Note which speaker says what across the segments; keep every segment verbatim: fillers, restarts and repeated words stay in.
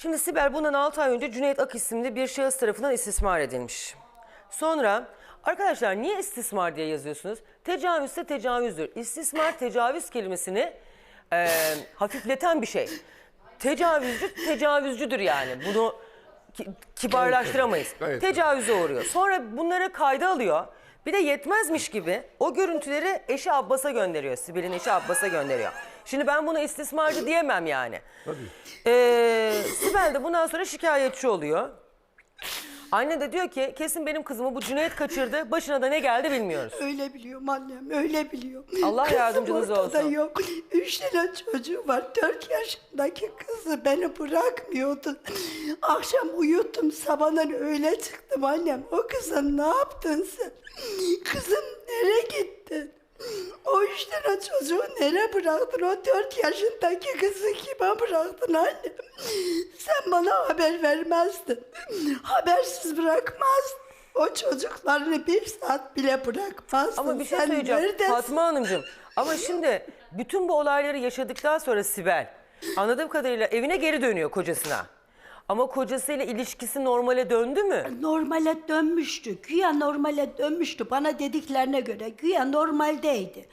Speaker 1: Şimdi Sibel bundan altı ay önce Cüneyt Ak isimli bir şahıs tarafından istismar edilmiş. Sonra arkadaşlar niye istismar diye yazıyorsunuz? Tecavüzse tecavüzdür. İstismar tecavüz kelimesini e, hafifleten bir şey. Tecavüzcü tecavüzcüdür yani. Bunu ki, kibarlaştıramayız.
Speaker 2: Evet, evet.
Speaker 1: Tecavüze uğruyor. Sonra bunları kayda alıyor. Bir de yetmezmiş gibi o görüntüleri eşi Abbas'a gönderiyor. Sibel'in eşi Abbas'a gönderiyor. Şimdi ben buna istismarcı diyemem yani.
Speaker 2: Tabii.
Speaker 1: Ee, Sibel de bundan sonra şikayetçi oluyor. Anne de diyor ki kesin benim kızımı bu Cüneyt kaçırdı. Başına da ne geldi bilmiyoruz.
Speaker 3: Öyle biliyorum annem, öyle biliyorum.
Speaker 1: Allah
Speaker 3: Kızım
Speaker 1: yardımcınız
Speaker 3: ortada
Speaker 1: olsun.
Speaker 3: yok. Üç tane çocuğu var. Dört yaşındaki kızı beni bırakmıyordu. Akşam uyuttum, sabahdan öyle çıktım annem. O kızın ne yaptın sen? Kızım nereye gittin? O üç tane çocuğu nereye bıraktın? O dört yaşındaki kızı kime bıraktın annem? Sen bana haber vermezdin. Habersiz bırakmazdın. O çocuklarını bir saat bile bırakmazdın.
Speaker 1: Ama bir şey
Speaker 3: Sen
Speaker 1: söyleyeceğim
Speaker 3: neredesin?
Speaker 1: Fatma Hanımcığım. Ama şimdi bütün bu olayları yaşadıktan sonra Sibel anladığım kadarıyla evine geri dönüyor kocasına. Ama kocasıyla ilişkisi normale döndü mü?
Speaker 3: Normale dönmüştü. Güya normale dönmüştü. Bana dediklerine göre güya normaldeydi.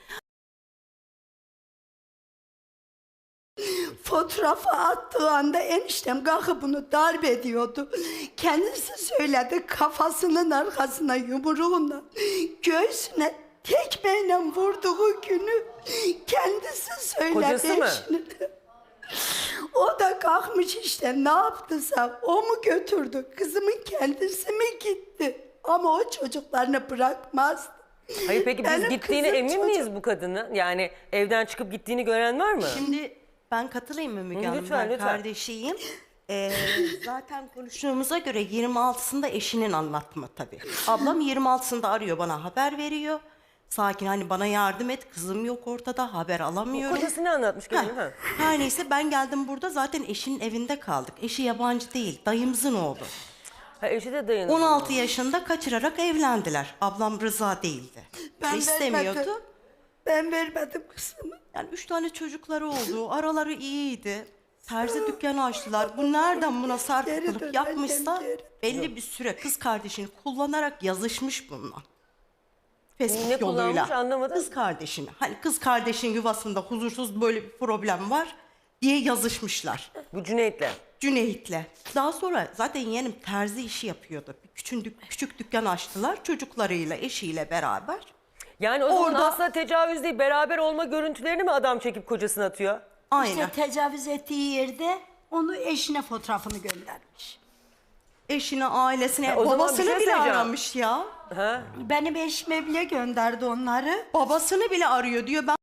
Speaker 3: Fotoğrafı attığı anda eniştem kalkıp bunu darp ediyordu. Kendisi söyledi, kafasının arkasına yumruğunla, göğsüne tekmeyle vurduğu günü kendisi söyledi.
Speaker 1: Kocası mı?
Speaker 3: eşine. O da kalkmış işte, ne yaptıysa o mu götürdü, kızımın kendisi mi gitti? Ama o çocuklarını bırakmaz.
Speaker 1: Hayır peki biz
Speaker 3: Benim
Speaker 1: gittiğine
Speaker 3: kızım
Speaker 1: emin
Speaker 3: çocuk-
Speaker 1: miyiz bu kadının? Yani evden çıkıp gittiğini gören var mı?
Speaker 4: Şimdi ben katılayım mı Müge
Speaker 1: Hı,
Speaker 4: Hanım?
Speaker 1: lütfen,
Speaker 4: Ben
Speaker 1: lütfen.
Speaker 4: kardeşiyim. Ee, zaten konuştuğumuza göre yirmi altısında eşinin anlatma tabii. Ablam yirmi altısında arıyor, bana haber veriyor. Sakin, hani bana yardım et, kızım yok ortada, haber alamıyorum.
Speaker 1: Kocası ne anlatmış
Speaker 4: Ha,
Speaker 1: gelin ha?
Speaker 4: her neyse ben geldim, burada zaten eşinin evinde kaldık. Eşi yabancı değil, dayımızın oğlu.
Speaker 1: Ha eşi de dayanıyor.
Speaker 4: on altı yaşında kaçırarak evlendiler. Ablam rıza değildi.
Speaker 3: Ben
Speaker 4: İstemiyordu.
Speaker 3: vermedim. Ben vermedim kızımı.
Speaker 4: Yani üç tane çocukları oldu. Araları iyiydi. Terzi dükkanı açtılar. Bu nereden buna
Speaker 3: Geri
Speaker 4: sarkıtılıp
Speaker 3: dön
Speaker 4: yapmışsa
Speaker 3: annem, geri.
Speaker 4: belli bir süre kız kardeşini kullanarak yazışmış bununla. Facebook
Speaker 1: Ne kullanmış
Speaker 4: yoluyla.
Speaker 1: anlamadım.
Speaker 4: Kız kardeşini. Hani kız kardeşin yuvasında huzursuz böyle bir problem var diye yazışmışlar.
Speaker 1: Bu Cüneyt'le.
Speaker 4: Cüneyt'le. Daha sonra zaten yeğenim terzi işi yapıyordu. Bir küçük, dük- küçük dükkan açtılar çocuklarıyla, eşiyle beraber.
Speaker 1: Yani o zaman
Speaker 4: Orada-
Speaker 1: aslında tecavüz değil, beraber olma görüntülerini mi adam çekip kocasına atıyor?
Speaker 4: Aynen.
Speaker 3: İşte tecavüz ettiği yerde onu eşine fotoğrafını göndermiş.
Speaker 4: Eşine, ailesine,
Speaker 1: o zaman bir
Speaker 4: babasını
Speaker 1: şey
Speaker 4: bile
Speaker 1: söyleyeceğim.
Speaker 4: aramış ya.
Speaker 1: Ha?
Speaker 3: Benim eşime bile gönderdi onları.
Speaker 4: Babasını bile arıyor diyor. Ben,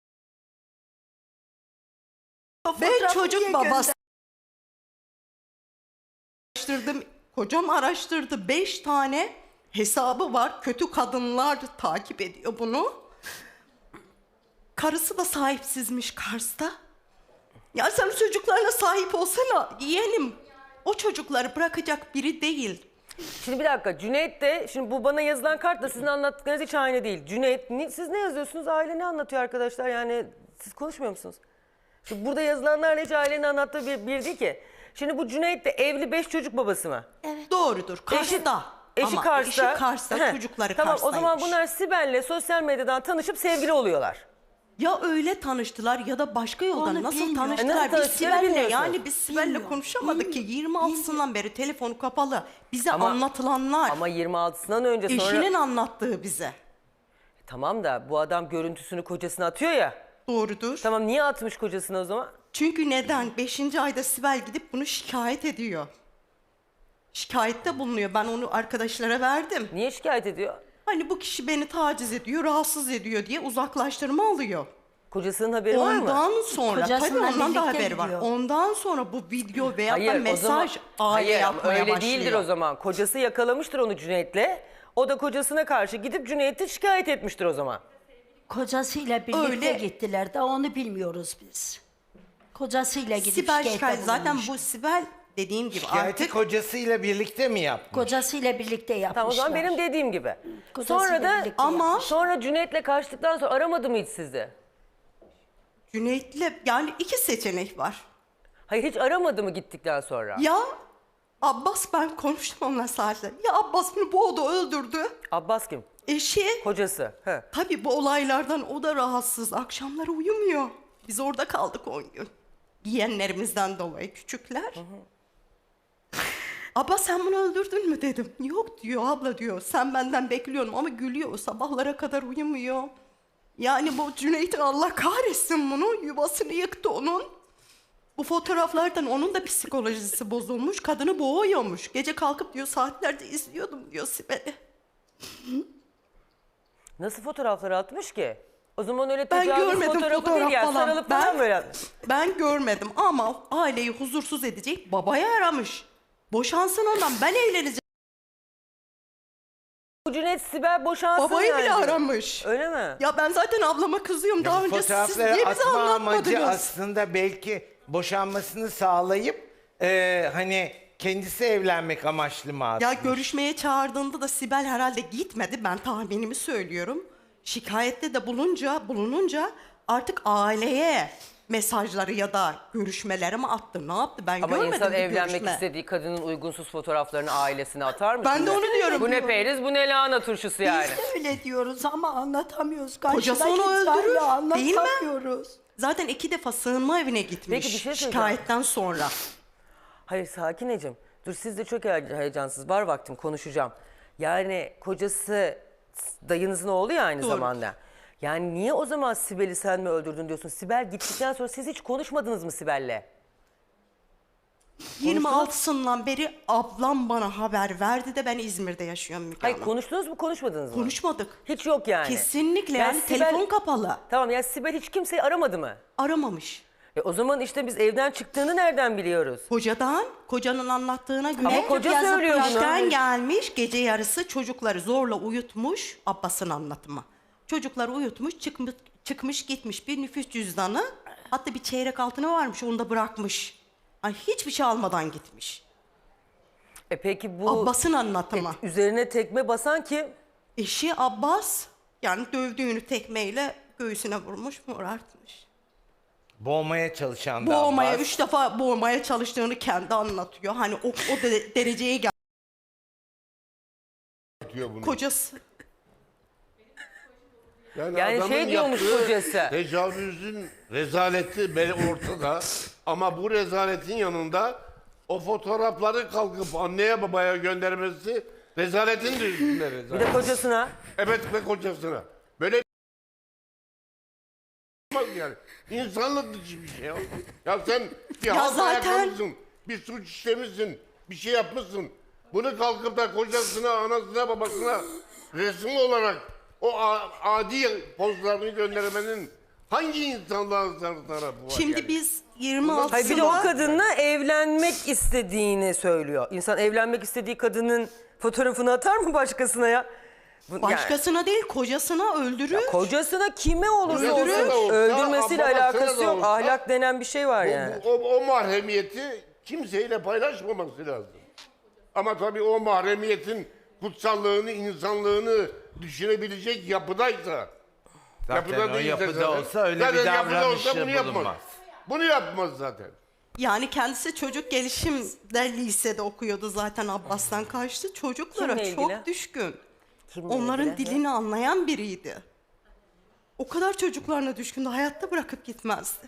Speaker 3: O
Speaker 4: ben
Speaker 3: fotoğrafı
Speaker 4: çocuk
Speaker 3: niye
Speaker 4: babası araştırdım. Kocam araştırdı. Beş tane hesabı var. Kötü kadınlar takip ediyor bunu. Karısı da sahipsizmiş Kars'ta. Ya sen çocuklarına sahip olsana yeğenim. O çocukları bırakacak biri değil.
Speaker 1: Şimdi bir dakika Cüneyt de şimdi bu bana yazılan kartla sizin anlattıklarınız hiç aynı değil. Cüneyt ni- siz ne yazıyorsunuz? Aile ne anlatıyor arkadaşlar? Yani siz konuşmuyor musunuz? Şimdi burada yazılanlarla hiç ailenin anlattığı bir, bir değil ki. Şimdi bu Cüneyt de evli beş çocuk babası mı?
Speaker 4: Doğrudur. Kars'ta.
Speaker 1: Eşi
Speaker 4: Ama
Speaker 1: Kars'ta.
Speaker 4: Eşi Kars'ta,
Speaker 1: Heh,
Speaker 4: çocukları
Speaker 1: tamam,
Speaker 4: Kars'taymış.
Speaker 1: o zaman bunlar Sibel'le sosyal medyadan tanışıp sevgili oluyorlar.
Speaker 4: Ya öyle tanıştılar ya da başka yoldan
Speaker 3: Onu
Speaker 4: nasıl
Speaker 3: bilmiyorum.
Speaker 4: tanıştılar?
Speaker 1: Nasıl
Speaker 4: Biz
Speaker 1: tanıştılar
Speaker 4: Sibel'le
Speaker 1: bilmiyorsun.
Speaker 4: yani biz Sibel'le
Speaker 3: Bilmiyorum,
Speaker 4: konuşamadık ki yirmi altısından beri telefonu kapalı. Bize
Speaker 1: Ama-
Speaker 4: anlatılanlar.
Speaker 1: Ama yirmi altısından önce sonra...
Speaker 4: Eşinin anlattığı bize.
Speaker 1: Tamam da bu adam görüntüsünü kocasına atıyor ya.
Speaker 4: Doğrudur.
Speaker 1: Tamam niye atmış kocasına o zaman?
Speaker 4: Çünkü neden? Beşinci ayda Sibel gidip bunu şikayet ediyor. Şikayette bulunuyor. Ben onu arkadaşlara verdim.
Speaker 1: Niye şikayet ediyor?
Speaker 4: Hani bu kişi beni taciz ediyor, rahatsız ediyor diye uzaklaştırma alıyor.
Speaker 1: Kocasının haberi var mı?
Speaker 4: Ondan sonra tabii
Speaker 3: Kocasıyla
Speaker 4: ondan da
Speaker 3: birlikte
Speaker 4: haberi var.
Speaker 3: gidiyor.
Speaker 4: Ondan sonra bu video veya da
Speaker 1: Hayır, o
Speaker 4: mesaj
Speaker 1: zaman,
Speaker 4: aile
Speaker 1: hayır, ama
Speaker 4: yapmaya
Speaker 1: öyle
Speaker 4: başlıyor.
Speaker 1: değildir o zaman. Kocası yakalamıştır onu Cüneyt'le. O da kocasına karşı gidip Cüneyt'i şikayet etmiştir o zaman.
Speaker 3: Kocasıyla birlikte
Speaker 4: Öyle.
Speaker 3: gittiler de onu bilmiyoruz biz. Kocasıyla gidip
Speaker 4: Sibel
Speaker 3: şikayette
Speaker 4: şikayet. Zaten
Speaker 3: bulunmuş.
Speaker 4: bu Sibel dediğim gibi
Speaker 2: Şikayeti
Speaker 4: artık
Speaker 2: kocasıyla birlikte mi yapmış?
Speaker 3: Kocasıyla birlikte yapmışlar.
Speaker 1: Tamam o zaman benim dediğim gibi.
Speaker 3: Kocasıyla
Speaker 1: Sonra da
Speaker 3: birlikte
Speaker 4: ama-
Speaker 3: yapmış.
Speaker 1: sonra Cüneyt'le kaçtıktan sonra aramadı mı hiç sizi?
Speaker 4: Cüneyt'le yani iki seçenek var.
Speaker 1: Hayır, hiç aramadı mı gittikten sonra?
Speaker 4: Ya Abbas, ben konuştum onunla saatler. Ya Abbas bunu boğdu, öldürdü.
Speaker 1: Abbas kim?
Speaker 4: Eşi.
Speaker 1: Kocası. He.
Speaker 4: Tabii bu olaylardan o da rahatsız. Akşamları uyumuyor. Biz orada kaldık on gün. Yeğenlerimizden dolayı küçükler. Hı hı. Abla sen bunu öldürdün mü dedim. Yok diyor abla diyor. Sen benden bekliyorum ama gülüyor. Sabahlara kadar uyumuyor. Yani bu Cüneyt'in Allah kahretsin bunu. Yuvasını yıktı onun. Bu fotoğraflardan onun da psikolojisi bozulmuş. Kadını boğuyormuş. Gece kalkıp diyor saatlerce izliyordum diyor Sibel'i.
Speaker 1: Nasıl fotoğrafları atmış ki? O zaman öyle
Speaker 4: Ben
Speaker 1: tecavüz
Speaker 4: görmedim
Speaker 1: fotoğrafı
Speaker 4: fotoğraf
Speaker 1: değil ya.
Speaker 4: falan.
Speaker 1: Sarılıp
Speaker 4: Ben-
Speaker 1: falan böyle atmış.
Speaker 4: Ben görmedim ama aileyi huzursuz edecek babaya aramış. Boşansın ondan, ben evleneceğim.
Speaker 1: Bu Cüneyt Sibel boşansın
Speaker 4: Babayı
Speaker 1: yani.
Speaker 4: bile aramış.
Speaker 1: Öyle mi?
Speaker 4: Ya ben zaten ablama kızıyorum. Daha
Speaker 2: Bu
Speaker 4: önce siz
Speaker 2: fotoğrafları
Speaker 4: niye bize
Speaker 2: atma amacı
Speaker 4: anlatmadınız?
Speaker 2: aslında belki boşanmasını sağlayıp e, hani kendisi evlenmek amaçlı mı atmış?
Speaker 4: Ya görüşmeye çağırdığında da Sibel herhalde gitmedi. Ben tahminimi söylüyorum. Şikayette de bulunca, bulununca artık aileye mesajları ya da görüşmeleri mi attı? Ne yaptı? Ben
Speaker 1: Ama
Speaker 4: görmedim
Speaker 1: insan
Speaker 4: bir
Speaker 1: evlenmek
Speaker 4: görüşme.
Speaker 1: istediği kadının uygunsuz fotoğraflarını ailesine atar mı?
Speaker 4: Ben
Speaker 1: şimdi?
Speaker 4: de onu diyorum.
Speaker 1: Bu ne periz, bu ne lahana turşusu yani.
Speaker 3: Biz de öyle diyoruz ama anlatamıyoruz.
Speaker 4: Kocası
Speaker 3: Karşıdaki
Speaker 4: onu
Speaker 3: insanla
Speaker 4: öldürür, değil mi?
Speaker 3: anlatamıyoruz.
Speaker 4: Zaten iki defa sığınma evine gitmiş
Speaker 1: Peki bir şey söyleyeceğim.
Speaker 4: şikayetten sonra.
Speaker 1: Hayır Sakineciğim. Dur siz de çok he- heyecansız. Var vaktim konuşacağım. Yani kocası dayınızın oğlu ya aynı
Speaker 4: Doğru.
Speaker 1: zamanda. Yani niye o zaman Sibel'i sen mi öldürdün diyorsun? Sibel gittikten sonra siz hiç konuşmadınız mı Sibel'le?
Speaker 4: yirmi altısından beri ablam bana haber verdi de ben İzmir'de yaşıyorum Müge
Speaker 1: Hayır
Speaker 4: Hanım.
Speaker 1: konuştunuz mu konuşmadınız mı?
Speaker 4: Konuşmadık.
Speaker 1: Hiç yok yani.
Speaker 4: Kesinlikle yani,
Speaker 1: Sibel-
Speaker 4: telefon kapalı.
Speaker 1: Tamam yani Sibel hiç kimseyi aramadı mı?
Speaker 4: Aramamış.
Speaker 1: E o zaman işte biz evden çıktığını nereden biliyoruz?
Speaker 4: Kocadan, kocanın anlattığına göre
Speaker 1: Ama koca
Speaker 4: yazıp
Speaker 1: söylüyor bunu.
Speaker 4: işten gelmiş, gece yarısı çocukları zorla uyutmuş, Abbas'ın anlatımı. Çocukları uyutmuş, çıkmış, çıkmış gitmiş bir nüfus cüzdanı, hatta bir çeyrek altını varmış, onu da bırakmış. Ay, hiçbir şey almadan gitmiş.
Speaker 1: E peki bu
Speaker 4: Abbas'ın anlatımı.
Speaker 1: üzerine tekme basan kim?
Speaker 4: Eşi Abbas, yani dövdüğünü tekmeyle göğsüne vurmuş, morartmış.
Speaker 2: Boğmaya çalışan da
Speaker 4: Boğmaya,
Speaker 2: Abbas.
Speaker 4: üç defa boğmaya çalıştığını kendi anlatıyor. Hani o, o de- dereceye gel.
Speaker 5: Atıyor bunu.
Speaker 4: Kocası.
Speaker 1: Yani
Speaker 5: adamın
Speaker 1: şey diyormuş
Speaker 5: yaptığı
Speaker 1: kocası.
Speaker 5: Tecavüzün rezaleti bel ortada. Ama bu rezaletin yanında o fotoğrafları kalkıp anneye babaya göndermesi rezaletin de üstünde
Speaker 1: Bir
Speaker 5: rezalet.
Speaker 1: de kocasına.
Speaker 5: Evet, ve kocasına. Böyle yani insanlık dışı bir şey ya. Ya sen bir
Speaker 4: Ya
Speaker 5: halt
Speaker 4: zaten-
Speaker 5: ayaklamışsın, bir suç işlemişsin, bir şey yapmışsın. Bunu kalkıp da kocasına, anasına, babasına resim olarak o a- adi pozlarını göndermenin hangi insanlığın tarafı var
Speaker 4: Şimdi
Speaker 5: yani?
Speaker 4: biz yirmi
Speaker 1: Hayır bir de o
Speaker 4: altısında
Speaker 1: kadınla evlenmek istediğini söylüyor. İnsan evlenmek istediği kadının fotoğrafını atar mı başkasına ya? Bu- yani
Speaker 4: başkasına değil kocasına öldürür.
Speaker 1: kocasına kime olursa
Speaker 5: Kocasına
Speaker 1: olsun
Speaker 5: da olsa,
Speaker 1: öldürmesiyle
Speaker 5: babasına
Speaker 1: alakası
Speaker 5: da
Speaker 1: yok.
Speaker 5: olsa,
Speaker 1: Ahlak denen bir şey var
Speaker 5: Bu-
Speaker 1: yani.
Speaker 5: bu- o, o mahremiyeti kimseyle paylaşmaması lazım. Ama tabii o mahremiyetin kutsallığını, insanlığını düşünebilecek yapıdaysa,
Speaker 2: Zaten o
Speaker 5: değilse
Speaker 2: yapıda
Speaker 5: zaten-
Speaker 2: olsa öyle
Speaker 5: zaten
Speaker 2: bir
Speaker 5: yapıda
Speaker 2: davranışı
Speaker 5: olsa bunu yapmaz.
Speaker 2: bulunmaz.
Speaker 5: Bunu yapmaz zaten.
Speaker 4: Yani kendisi çocuk gelişimde lisede okuyordu zaten, Abbas'tan kaçtı. Çocuklara
Speaker 1: Kimle
Speaker 4: çok
Speaker 1: ilgili?
Speaker 4: düşkün.
Speaker 1: Kimle
Speaker 4: Onların
Speaker 1: ilgili?
Speaker 4: dilini anlayan biriydi. O kadar çocuklarına düşkündü, hayatta bırakıp gitmezdi.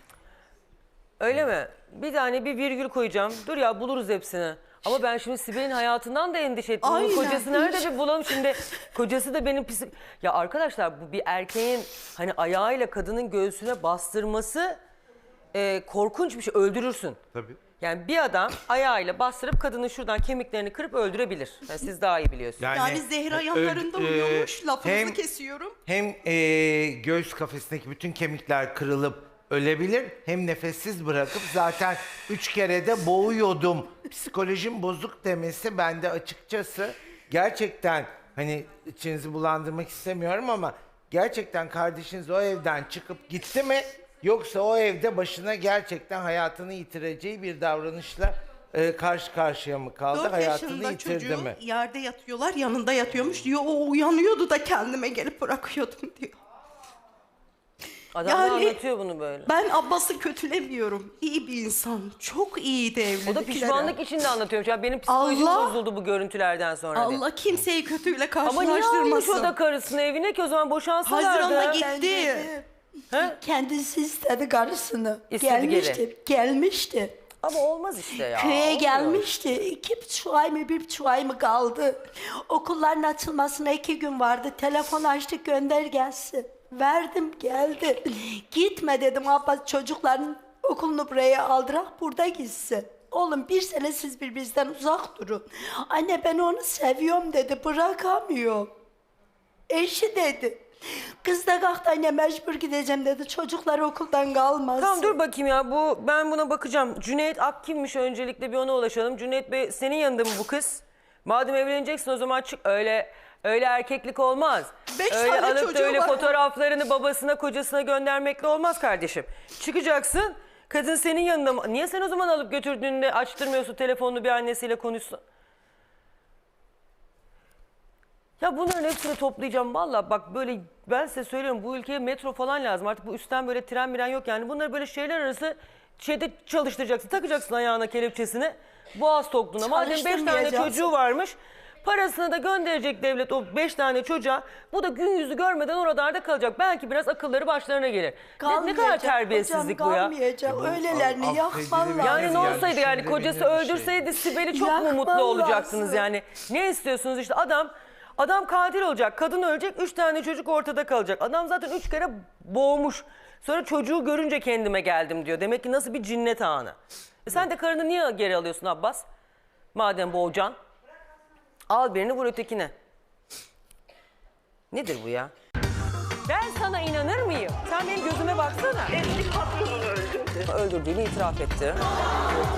Speaker 1: Öyle mi? Bir tane bir virgül koyacağım. Dur ya buluruz hepsini. Ama ben şimdi Sibel'in hayatından da endişe ettim. Bunun
Speaker 4: Aynen.
Speaker 1: kocası nerede bir bulalım şimdi. Kocası da benim pis... Ya arkadaşlar bu bir erkeğin hani ayağıyla kadının göğsüne bastırması e, korkunç bir şey. Öldürürsün.
Speaker 2: Tabii.
Speaker 1: Yani bir adam ayağıyla bastırıp kadının şuradan kemiklerini kırıp öldürebilir. Yani siz daha iyi biliyorsunuz.
Speaker 4: Yani Zehra
Speaker 2: ö-
Speaker 4: yanlarında
Speaker 2: ö-
Speaker 4: uyuyormuş, lafınızı
Speaker 2: hem-
Speaker 4: kesiyorum.
Speaker 2: Hem e, göğüs kafesindeki bütün kemikler kırılıp ölebilir, hem nefessiz bırakıp zaten üç kere de boğuyordum, psikolojim bozuk demesi bende açıkçası gerçekten hani içinizi bulandırmak istemiyorum ama gerçekten kardeşiniz o evden çıkıp gitti mi, yoksa o evde başına gerçekten hayatını yitireceği bir davranışla e, karşı karşıya mı kaldı,
Speaker 4: Dört
Speaker 2: hayatını
Speaker 4: yaşında
Speaker 2: yitirdi
Speaker 4: çocuğu
Speaker 2: mi?
Speaker 4: yerde yatıyorlar, yanında yatıyormuş diyor. O uyanıyordu da kendime gelip bırakıyordum diyor.
Speaker 1: Adam da
Speaker 4: Yani-
Speaker 1: anlatıyor bunu böyle.
Speaker 4: Ben Abbas'ı kötülemiyorum. İyi bir insan. Çok iyiydi evliliklere.
Speaker 1: O da pişmanlık içinde anlatıyormuş. Ya benim psikolojim
Speaker 4: Allah-
Speaker 1: bozuldu bu görüntülerden sonra. diye.
Speaker 4: Allah kimseyi kötüyle
Speaker 1: Ama niye almış
Speaker 4: karşılaştırmasın.
Speaker 1: o da karısını evine ki o zaman boşansalardı?
Speaker 4: Haziran'da
Speaker 3: Ben
Speaker 4: gitti.
Speaker 3: dedim,
Speaker 1: He?
Speaker 3: kendisi istedi karısını.
Speaker 1: İstedi
Speaker 3: gelmişti, gelmişti.
Speaker 1: Ama olmaz işte ya.
Speaker 3: Köye
Speaker 1: olmuyor.
Speaker 3: gelmişti. İki buçuk ay mı bir buçuk ay mı kaldı? Okulların açılmasına iki gün vardı. Telefon açtık gönder gelsin. Verdim geldi. Gitme dedim abla çocukların okulunu buraya aldırak burada gitsin. Oğlum bir sene siz birbirinizden uzak durun. Anne ben onu seviyorum dedi bırakamıyor. Eşi dedi. Kız da kalktı anne mecbur gideceğim dedi. Çocuklar okuldan kalmasın.
Speaker 1: Tamam dur bakayım ya bu ben buna bakacağım. Cüneyt Ak kimmiş öncelikle bir ona ulaşalım. Cüneyt Bey senin yanında mı bu kız? Madem evleneceksin o zaman çık öyle öyle erkeklik olmaz.
Speaker 4: Beş
Speaker 1: öyle
Speaker 4: tane
Speaker 1: alıp da
Speaker 4: çocuğu
Speaker 1: öyle
Speaker 4: var.
Speaker 1: fotoğraflarını babasına kocasına göndermekle olmaz kardeşim. Çıkacaksın kadın senin yanında mı? Niye sen o zaman alıp götürdüğünde açtırmıyorsun telefonunu bir annesiyle konuşsun? Ya bunların hepsini toplayacağım valla bak böyle ben size söylüyorum bu ülkeye metro falan lazım artık bu üstten böyle tren miren yok yani bunları böyle şeyler arası şeyde çalıştıracaksın takacaksın ayağına kelepçesini boğaz tokluğuna madem beş tane
Speaker 3: Çalıştırmayacağız.
Speaker 1: çocuğu varmış parasını da gönderecek devlet o beş tane çocuğa bu da gün yüzü görmeden oralarda kalacak belki biraz akılları başlarına gelir. Ne, ne kadar
Speaker 3: Kalmayacak
Speaker 1: terbiyesizlik
Speaker 3: hocam,
Speaker 1: bu ya.
Speaker 3: Öylelerini
Speaker 2: affedilir
Speaker 3: yakman
Speaker 2: bir-
Speaker 3: lazım.
Speaker 1: Yani ne
Speaker 2: Yani
Speaker 1: olsaydı yani
Speaker 2: şimdi
Speaker 1: kocası
Speaker 2: bilinir bir şey.
Speaker 1: öldürseydi Sibel'i çok mu
Speaker 3: Yakman
Speaker 1: mutlu olacaksınız
Speaker 3: lazım.
Speaker 1: yani? Ne istiyorsunuz işte adam adam katil olacak, kadın ölecek, üç tane çocuk ortada kalacak. Adam zaten üç kere boğmuş. Sonra çocuğu görünce kendime geldim diyor. Demek ki nasıl bir cinnet anı. E sen de karını niye geri alıyorsun Abbas? Madem boğacaksın. Al birini vur ötekine. Nedir bu ya? Ben sana inanır mıyım? Sen benim gözüme baksana.
Speaker 6: Eski patronunu öldürdü.
Speaker 1: Öldürdüğünü itiraf etti.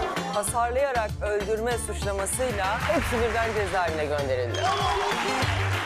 Speaker 1: Hasarlayarak öldürme suçlamasıyla hepsi birden cezaevine gönderildi.